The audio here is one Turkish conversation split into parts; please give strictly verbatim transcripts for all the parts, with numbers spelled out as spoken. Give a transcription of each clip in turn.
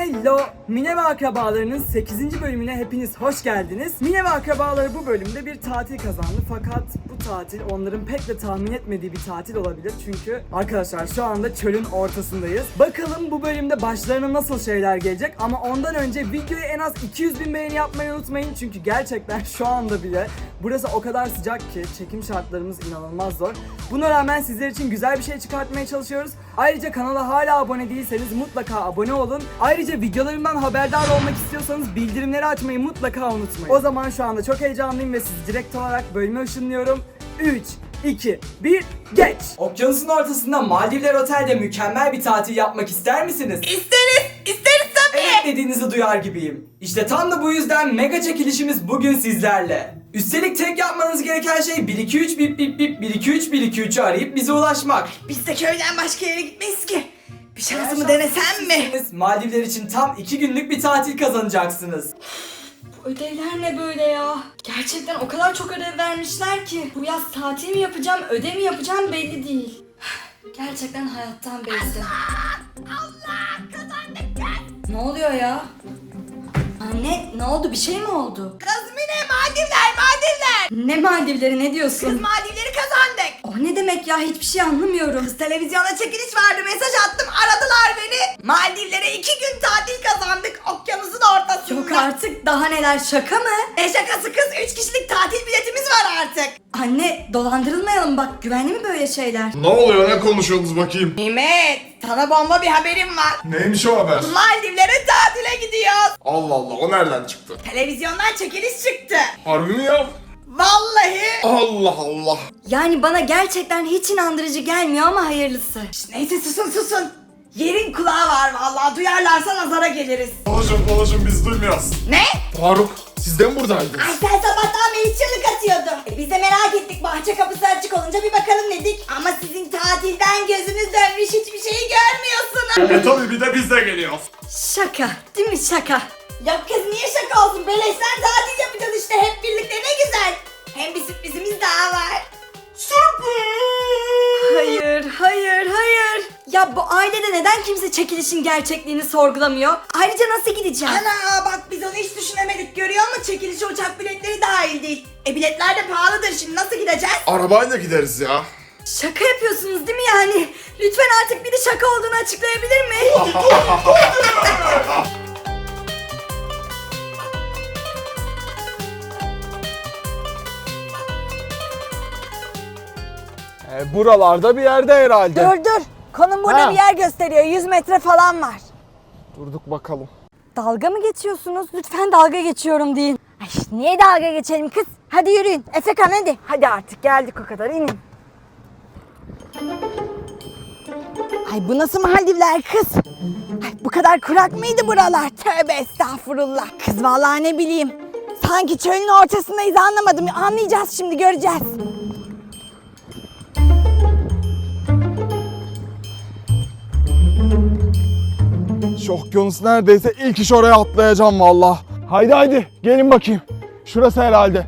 Hello! Mine ve Akrabalarının sekizinci bölümüne hepiniz hoş geldiniz. Mine ve Akrabaları bu bölümde bir tatil kazandı fakat bu tatil onların pek de tahmin etmediği bir tatil olabilir. Çünkü arkadaşlar şu anda çölün ortasındayız. Bakalım bu bölümde başlarına nasıl şeyler gelecek ama ondan önce videoya en az iki yüz bin beğeni yapmayı unutmayın. Çünkü gerçekten şu anda bile burası o kadar sıcak ki çekim şartlarımız inanılmaz zor. Buna rağmen sizler için güzel bir şey çıkartmaya çalışıyoruz. Ayrıca kanala hala abone değilseniz mutlaka abone olun. Ayrıca videolarımdan haberdar olmak istiyorsanız bildirimleri açmayı mutlaka unutmayın. O zaman şu anda çok heyecanlıyım ve sizi direkt olarak bölüme ışınlıyorum. üç, iki, bir, geç! Okyanusun ortasında Maldivler Otel'de mükemmel bir tatil yapmak ister misiniz? İsteriz, isteriz tabii. Evet dediğinizi duyar gibiyim. İşte tam da bu yüzden mega çekilişimiz bugün sizlerle. Üstelik tek yapmanız gereken şey bir iki üç bip bip bip bir iki üç bir iki üç'ü arayıp bize ulaşmak. Biz de köyden başka yere gitmeyiz ki. Bir şansımı denesem mi? Maldivler için tam iki günlük bir tatil kazanacaksınız. Bu ödevler ne böyle ya? Gerçekten o kadar çok ödev vermişler ki. Bu yaz tatil mi yapacağım, ödev mi yapacağım belli değil. Gerçekten hayattan bezdim. Allah! Allah! Kazandık kız! Ne oluyor ya? Anne ne oldu, bir şey mi oldu? Kız Mine, Maldivler, Maldivler. Ne Maldivleri, ne diyorsun? Kız Maldivleri kazandık. O ne demek ya, hiçbir şey anlamıyorum. Kız televizyona çekiliş vardı, mesaj attım, aradılar beni. Maldivlere iki gün tatil kazandık okyanusun ortasında. Yok artık, daha neler, şaka mı? Ne şakası kız, üç kişilik tatil biletimiz var artık. Anne dolandırılmayalım bak, güvenli mi böyle şeyler? Ne oluyor, ne konuşuyorsunuz bakayım? Nimet, sana bomba bir haberim var. Neymiş o haber? Maldivlere tatile gidiyoruz. Allah Allah, o nereden çıktı? Televizyondan çekiliş çıktı. Harbi mi ya? Vallahi. Allah Allah. Yani bana gerçekten hiç inandırıcı gelmiyor ama hayırlısı. Şş, neyse susun susun. Yerin kulağı var vallahi, duyarlarsa nazara geliriz. Konuşun konuşun, biz duymuyoruz. Ne? Faruk, siz de mi buradaydınız? Ay sen sabahtan beri çığlık atıyordun. E biz de merak ettik, bahçe kapısı açık olunca bir bakalım dedik. Ama sizin tatilden gözünüz dönmüş, hiçbir şeyi görmüyorsunuz. E tabii, bir de biz de geliyoruz. Şaka değil mi, şaka? Yok kız, niye şaka olsun, beleşten tatil yapacağız işte hep birlikte, ne güzel. Hem bir sürprizimiz daha var. Hayır, hayır, hayır. Ya bu ailede neden kimse çekilişin gerçekliğini sorgulamıyor? Ayrıca nasıl gideceğim? Ana bak, biz onu hiç düşünemedik, görüyor musun? Çekilişe uçak biletleri dahil değil. E biletler de pahalıdır, şimdi nasıl gideceğiz? Arabayla gideriz ya. Şaka yapıyorsunuz değil mi yani? Lütfen artık biri şaka olduğunu açıklayabilir mi? E, buralarda bir yerde herhalde. Dur dur, konum burada Ha. bir yer gösteriyor, yüz metre falan var. Durduk bakalım. Dalga mı geçiyorsunuz? Lütfen dalga geçiyorum deyin. Ay niye dalga geçelim kız? Hadi yürüyün. Efekan hadi. Hadi artık geldik o kadar, inin. Ay bu nasıl Maldivler kız? Ay bu kadar kurak mıydı buralar? Tövbe estağfurullah. Kız vallahi ne bileyim. Sanki çölün ortasındayız, anlamadım. Anlayacağız şimdi, göreceğiz. Şu okyanus neredeyse ilk iş oraya atlayacağım valla. Haydi haydi gelin bakayım. Şurası herhalde.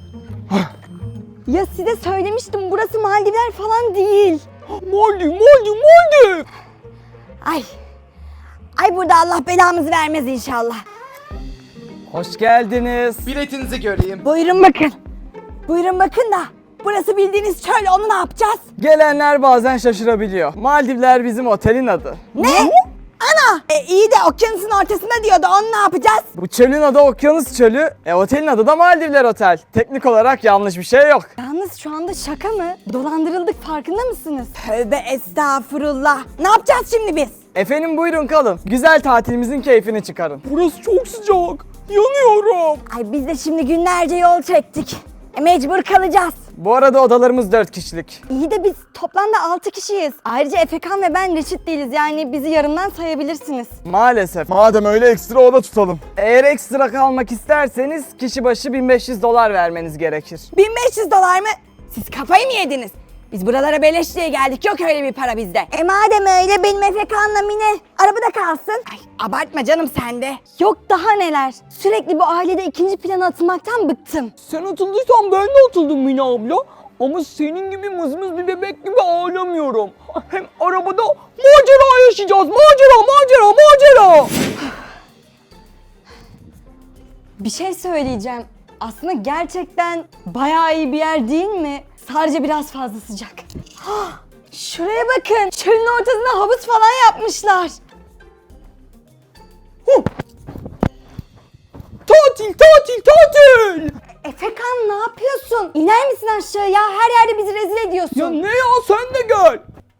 Ya size söylemiştim, burası Maldivler falan değil. Maldiv Maldiv Maldiv. Ay. Ay burada Allah belamızı vermez inşallah. Hoş geldiniz. Biletinizi göreyim. Buyurun bakın. Buyurun bakın da. Burası bildiğiniz çöl, onu ne yapacağız? Gelenler bazen şaşırabiliyor. Maldivler bizim otelin adı. Ne? Ana! E, iyi de okyanusun ortasında diyordu, onu ne yapacağız? Bu çölün adı Okyanus Çölü, e, otelin adı da Maldivler Otel. Teknik olarak yanlış bir şey yok. Yalnız şu anda şaka mı? Dolandırıldık, farkında mısınız? Tövbe estağfurullah. Ne yapacağız şimdi biz? Efendim buyurun kalın. Güzel tatilimizin keyfini çıkarın. Burası çok sıcak. Yanıyorum. Ay biz de şimdi günlerce yol çektik. E, mecbur kalacağız. Bu arada odalarımız dört kişilik. İyi de biz toplamda altı kişiyiz. Ayrıca Efekan ve ben reşit değiliz, yani bizi yarımdan sayabilirsiniz. Maalesef. Madem öyle ekstra oda tutalım. Eğer ekstra kalmak isterseniz kişi başı bin beş yüz dolar vermeniz gerekir. bin beş yüz dolar mı? Siz kafayı mı yediniz? Biz buralara beleş diye geldik, yok öyle bir para bizde. E madem öyle, benim Efekan'la Mine arabada kalsın. Ay abartma canım sen de. Yok daha neler. Sürekli bu ailede ikinci plana atılmaktan bıktım. Sen atıldıysan ben de atıldım Mine abla. Ama senin gibi mızmız bir bebek gibi ağlamıyorum. Hem arabada macera yaşayacağız. Macera, macera, macera. Bir şey söyleyeceğim. Aslında gerçekten bayağı iyi bir yer değil mi? Sadece biraz fazla sıcak. Hah, şuraya bakın. Çölün ortasına havuz falan yapmışlar. Huh. Tatil, tatil, tatil! Efekan ne yapıyorsun? İner misin aşağıya? Her yerde bizi rezil ediyorsun. Ya ne ya, sen de gel.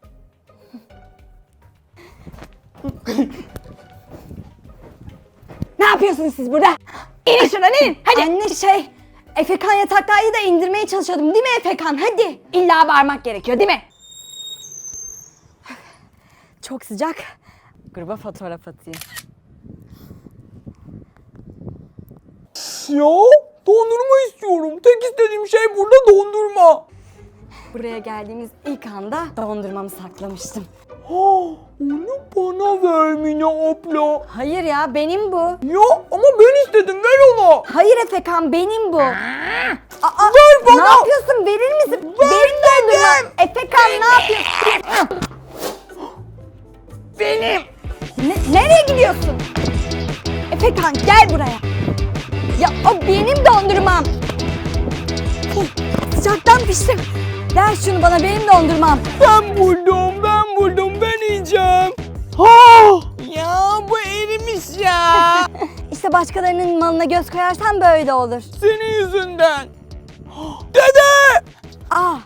Ne yapıyorsunuz siz burada? İnin şuradan inin. Hadi. Anne şey, Efekan yataktaydı da indirmeye çalışıyordum değil mi Efekan? Hadi. İlla bağırmak gerekiyor değil mi? Çok sıcak. Gruba fotoğraf atayım. Ya dondurma istiyorum. Tek istediğim şey burada dondurma. Buraya geldiğimiz ilk anda dondurmamı saklamıştım. Onu bana ver Mine abla. Hayır ya, benim bu. Ya ama ben istedim, ver ona. Hayır Efekan, benim bu. Aa, ver bana. Ne yapıyorsun? Verir misin? Ver benim dondurma. dedim. Efekan ne yapıyorsun? Benim. Ne, nereye gidiyorsun? Efekan gel buraya. Ya o benim dondurmam. Huh, sıcaktan piştim. Ver şunu bana, benim dondurmam. Ben buldum, ben buldum, ben yiyeceğim. Ha! Ya bu erimiş ya. İşte başkalarının malına göz koyarsan böyle olur. Senin yüzünden. Dede! Aa,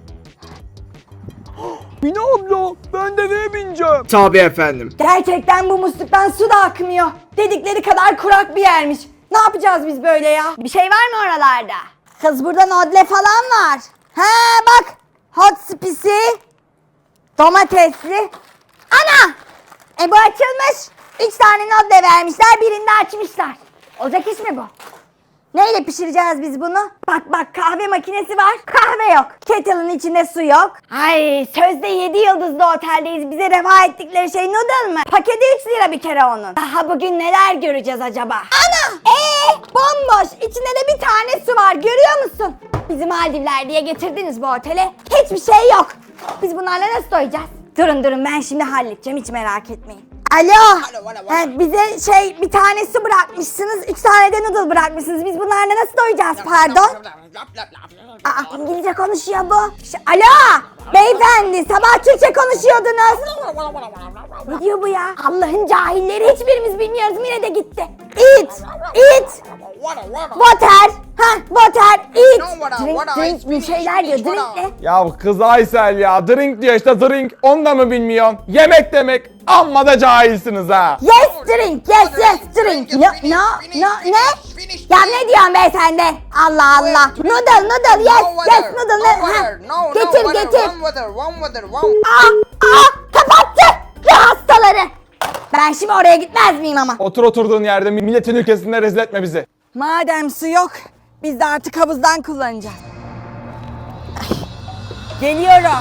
Mine abla, ben deveye bineceğim. Tabii efendim. gerçekten bu musluktan su da akmıyor. Dedikleri kadar kurak bir yermiş. Ne yapacağız biz böyle ya? Bir şey var mı oralarda? Kız burada nodle falan var. He bak. Hot spicy. Domatesli. Ana! E bu açılmış. Üç tane nodle vermişler. Birini de açmışlar. Olacak iş mi bu? Neyle pişireceğiz biz bunu? Bak bak, kahve makinesi var. Kahve yok. Kettle'ın içinde su yok. Ay sözde yedi yıldızlı oteldeyiz. Bize reva ettikleri şey noodle mı? Paketi üç lira bir kere onun. Daha bugün neler göreceğiz acaba? Ana! Eee bomboş. İçinde de bir tane su var. Görüyor musun? Bizi Maldivler diye getirdiniz bu otele. Hiçbir şey yok. Biz bunlarla nasıl doyacağız? Durun durun, ben şimdi halledeceğim. Hiç merak etmeyin. Alo. He, bize şey bir tane su bırakmışsınız, üç tane de noodle bırakmışsınız. Biz bunlarla nasıl doyacağız pardon? Aa, İngilizce konuşuyor bu. Ş- Alo. Beyefendi, sabah Türkçe konuşuyordunuz. Ne diyor bu ya? Allah'ın cahilleri, hiçbirimiz bilmiyoruz. Mine de gitti. Eat. Eat. Water. Ha, water. Eat. Drink, drink bir şeyler diyor. Drink ne? Ya kız Aysel ya, drink diyor işte, drink. Onu da mı bilmiyorsun? Yemek demek. Amma da cahilsiniz ha. Yes drink, yes yes drink. No, no, no, ne? Ya ne diyorsun be sen de? Allah Allah. Noodle, noodle, yes, yes, noodle. Ne? Ha. Getir, getir. Aa, aa, kapattı. Ya hastaları. Ben şimdi oraya gitmez miyim ama? Otur oturduğun yerde, milletin ülkesinde rezil etme bizi. Madem su yok, biz de artık havuzdan kullanacağız. Ay, geliyorum.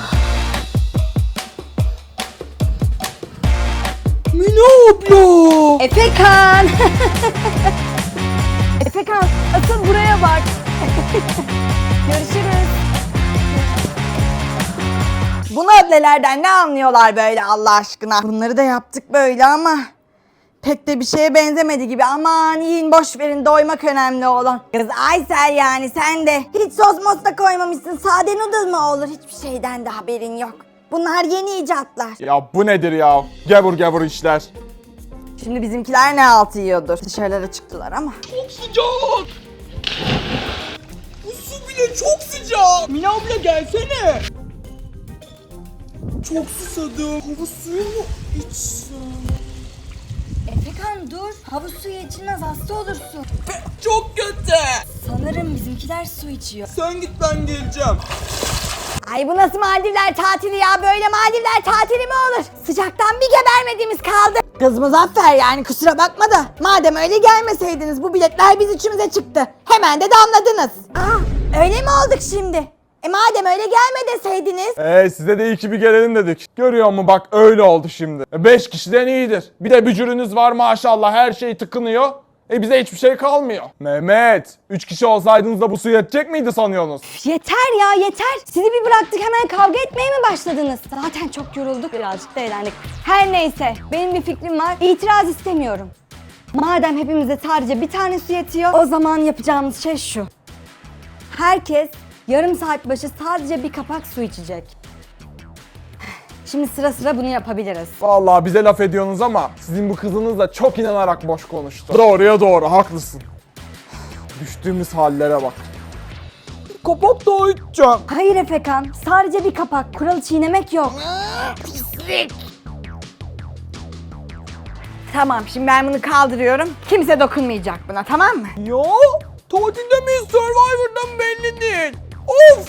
Mine abla. Efekan. Efekan, asıl buraya bak. Görüşürüz. Bu nodlelerden ne anlıyorlar böyle Allah aşkına? Bunları da yaptık böyle ama pek de bir şeye benzemedi gibi. Aman yiyin, boş verin, doymak önemli olan. Kız Aysel, yani sen de hiç sos mos da koymamışsın. Sade noodle mı olur? Hiçbir şeyden de haberin yok. Bunlar yeni icatlar. Ya bu nedir ya? Gevur gevur işler. Şimdi bizimkiler ne altı yiyordur. Dışarılara çıktılar ama. Çok sıcak. Bu su bile çok sıcak. Mine abla gelsene. Çok susadım. Havuz suyu mu içsem? Efekan dur. Havuz suyu içilmez, hasta olursun. Çok kötü. Sanırım bizimkiler su içiyor. Sen git, ben geleceğim. Ay bu nasıl Maldivler tatili ya? Böyle Maldivler tatili mi olur? Sıcaktan bir gebermediğimiz kaldı. Kız Muzaffer, yani kusura bakma da madem öyle gelmeseydiniz, bu biletler biz üçümüze çıktı. Hemen de damladınız. Aa, öyle mi olduk şimdi? E madem öyle gelme deseydiniz. Ee size de iyi ki bir gelelim dedik. Görüyor musun bak, öyle oldu şimdi. E, beş kişiden iyidir. Bir de bücürünüz var maşallah, her şey tıkınıyor. E bize hiçbir şey kalmıyor. Mehmet, üç kişi olsaydınız da bu su yetecek miydi sanıyorsunuz? Yeter ya, yeter. Sizi bir bıraktık, hemen kavga etmeye mi başladınız? Zaten çok yorulduk, birazcık da eğlendik. Her neyse, benim bir fikrim var. İtiraz istemiyorum. Madem hepimize sadece bir tane su yetiyor, o zaman yapacağımız şey şu. Herkes yarım saat başı sadece bir kapak su içecek. Şimdi sıra sıra bunu yapabiliriz. Vallahi bize laf ediyorsunuz ama sizin bu kızınız da çok inanarak boş konuştu. Doğruya doğru, haklısın. Düştüğümüz hallere bak. Kapak daha içeceğim. Hayır Efekan, sadece bir kapak. Kuralı çiğnemek yok. Tamam, şimdi ben bunu kaldırıyorum. Kimse dokunmayacak buna, tamam mı? Ya tatilde miyiz, Survivor'dan belli değil. Of!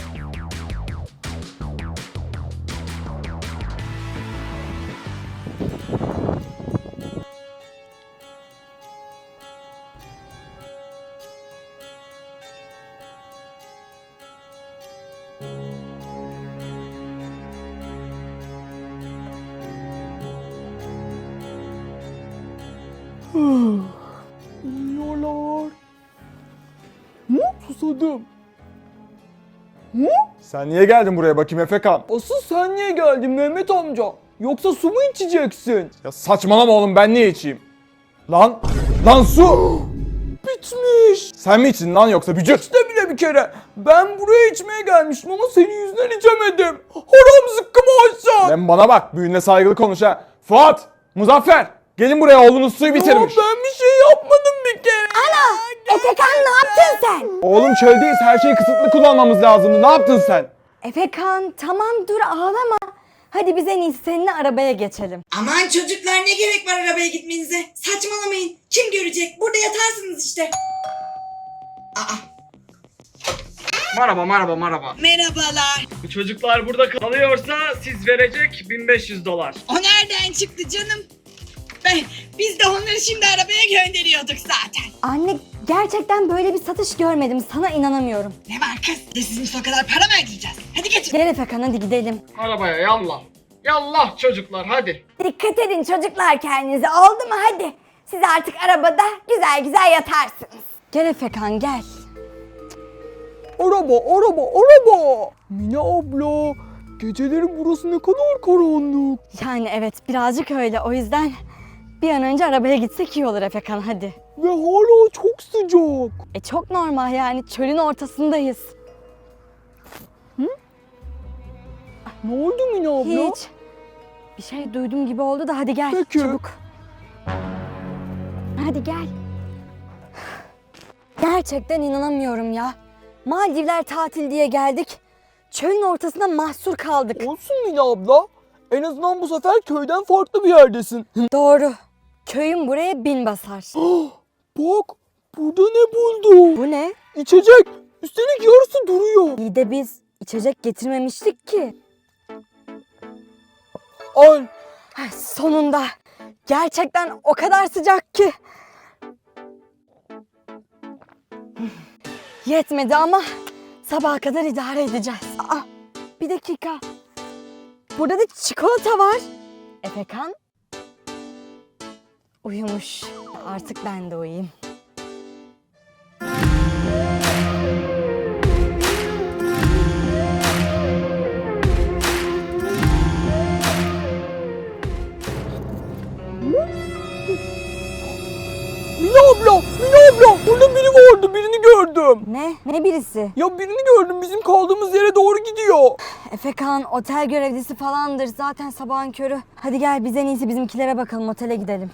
Yiyorlar. Hı? Susadım. Hı? Sen niye geldin buraya bakayım Efekan? Asıl sen niye geldin Mehmet amca? Yoksa su mu içeceksin? Ya saçmalama oğlum, ben niye içeyim? Lan, lan su! Bitmiş. Sen mi içtin lan yoksa bücür? İşte bile bir kere. Ben buraya içmeye gelmiştim ama senin yüzünden içemedim. Haram zıkkım aşağı. Lan bana bak, büyüğüne saygılı konuş ha. Fuat, Muzaffer, gelin buraya, oğlunuz suyu bitirmiş. Ben bir şey yapmadım bir kere. Ana! Efekan ne yaptın sen? Oğlum çöldeyiz, her şeyi kısıtlı kullanmamız lazımdı. Ne yaptın sen? Efekan tamam dur ağlama. Hadi biz en iyisi seninle arabaya geçelim. Aman çocuklar, ne gerek var arabaya gitmenize? Saçmalamayın. Kim görecek? Burada yatarsınız işte. Aa. Merhaba merhaba merhaba. Merhabalar. Bu çocuklar burada kalıyorsa siz verecek bin beş yüz dolar. O nereden çıktı canım? Ben, biz de onları şimdi arabaya gönderiyorduk zaten. Anne gerçekten böyle bir satış görmedim. Sana inanamıyorum. Ne var kız? De sizin o kadar para mı ödeyeceğiz? Hadi geçin. Gel Efekan hadi gidelim. Arabaya yallah. Yallah çocuklar hadi. Dikkat edin çocuklar kendinize, oldu mu hadi. Siz artık arabada güzel güzel yatarsınız. Gel Efekan gel. Araba, araba, araba. Mine abla, geceleri burası ne kadar karanlık. Yani evet birazcık öyle, o yüzden bir an önce arabaya gitsek iyi olur Efekan hadi. Ve hala çok sıcak. E çok normal yani, çölün ortasındayız. Ne oldu Mine abla? Hiç. Bir şey duydum gibi oldu da hadi gel Peki. çabuk. Hadi gel. Gerçekten inanamıyorum ya. Maldivler tatil diye geldik. Çölün ortasında mahsur kaldık. Olsun Mine abla. En azından bu sefer köyden farklı bir yerdesin. Doğru. Köyün buraya bin basar. Bak, burada ne buldum? Bu ne? İçecek. Üstelik yarısı duruyor. İyi de biz içecek getirmemiştik ki. Al. Ay, sonunda. Gerçekten o kadar sıcak ki. Yetmedi ama sabaha kadar idare edeceğiz. Aa, bir dakika. Burada da çikolata var. Efekan? Uyumuş. Artık ben de uyuyayım. Mine abla, Mine abla. Burada biri vardı, birini gördüm. Ne? Ne birisi? Ya birini gördüm, bizim kaldığımız yere doğru gidiyor. Efekan otel görevlisi falandır. Zaten sabahın körü. Hadi gel biz en iyisi bizimkilere bakalım. Otele gidelim.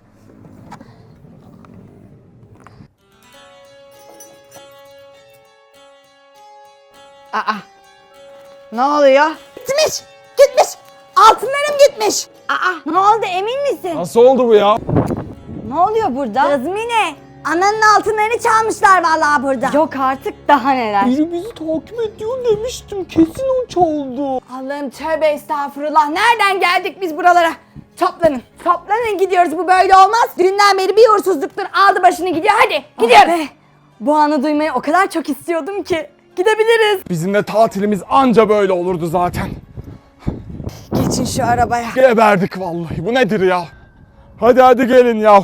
Aa. Ne oluyor? Gitmiş. Gitmiş. Altınlarım gitmiş. Aa. Ne oldu emin misin? Nasıl oldu bu ya? Ne oluyor burada? Kızmine. Ananın altınlarını çalmışlar vallahi burada. Yok artık daha neler. Biri bizi takip ediyor demiştim. Kesin o çaldı. Allah'ım tövbe estağfurullah. Nereden geldik biz buralara? Toplanın. Toplanın gidiyoruz. Bu böyle olmaz. Dünden beri bir uğursuzluktur. Aldı başını gidiyor. Hadi gidiyoruz. Bu anı duymayı o kadar çok istiyordum ki. Gidebiliriz. Bizim de tatilimiz anca böyle olurdu zaten. Geçin şu arabaya. Geberdik vallahi, bu nedir ya? Hadi hadi gelin ya.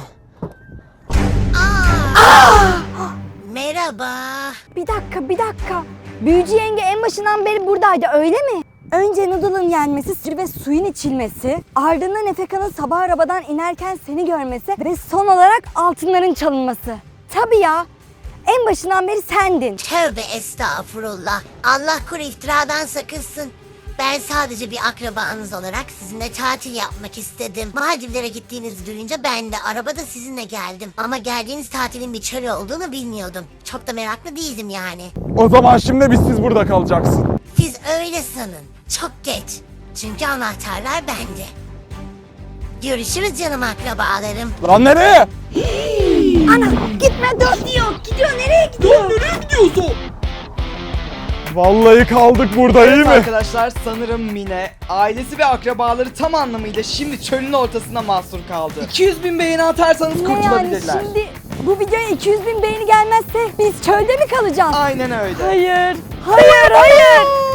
Merhaba. Bir dakika bir dakika. Büyücü yenge en başından beri buradaydı öyle mi? Önce noodle'ın yenmesi ve suyun içilmesi, ardından Efeka'nın sabah arabadan inerken seni görmesi ve son olarak altınların çalınması. Tabii ya, en başından beri sendin. Tövbe estağfurullah. Allah kuru iftiradan sakınsın. Ben sadece bir akrabanız olarak sizinle tatil yapmak istedim. Maldivlere gittiğinizi duyunca ben de arabada sizinle geldim. Ama geldiğiniz tatilin bir çöl olduğunu bilmiyordum. Çok da meraklı değildim yani. O zaman şimdi biz siz burada kalacaksın. Siz öyle sanın. Çok geç. Çünkü anahtarlar bende. Görüşürüz canım akrabalarım. Lan nereye? Ana gitme dur diyor. Gidiyor nereye gidiyor? Nereye gidiyorsun? Vallahi kaldık burada iyi Evet mi? arkadaşlar, sanırım Mine, ailesi ve akrabaları tam anlamıyla şimdi çölün ortasında mahsur kaldı. iki yüz bin beğeni atarsanız Ne yani kurtulabilirler. şimdi bu videoya iki yüz bin beğeni gelmezse biz çölde mi kalacağız? Aynen öyle. Hayır. Hayır hayır.